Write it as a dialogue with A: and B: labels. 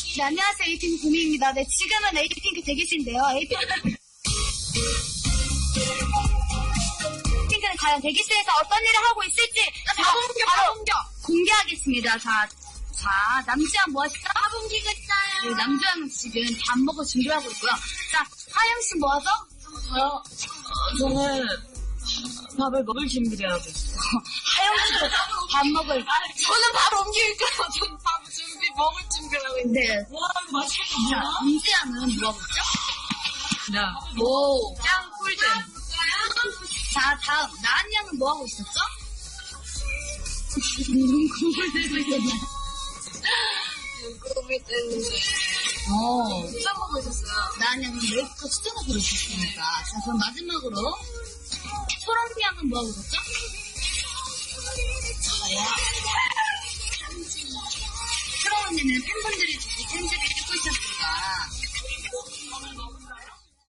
A: 네, 안녕하세요. 에이핑크 구미입니다. 네, 지금은 에이핑크 대기실인데요. 에이핑크는 과연 대기실에서 어떤 일을 하고 있을지 바로 공개하겠습니다. 자, 남주양 뭐 하시죠? 밥 옮기고 있어요. 네, 남주양은 지금 밥 먹을 준비하고 있고요. 자, 하영씨 뭐 하죠?
B: 저요? 저는 밥을 먹을 준비를 하고 있어요.
A: 하영씨도 밥 먹을.
B: 저는 밥 옮길까요? 저는 밥 먹을 준비를 하고 있는데.
A: 네.
B: 와, 이거 맛있겠다.
A: 자, 남주양은 뭐 하고 있죠?
B: 나. 오, 짱 꿀잼.
A: 자, 다음 나은 양은 뭐 하고 있었죠? 눈곱을 들고 있었나요?
B: 눈곱을 뜨는데. 짱 먹고 있었어요.
A: 나은 양은 메이크업 수정하고 있었으니까. 자, 그럼 마지막으로 소랑비 양은 뭐 하고 있었죠?
B: 저요?
A: 소랑 언니는 팬분들이 주신 편지를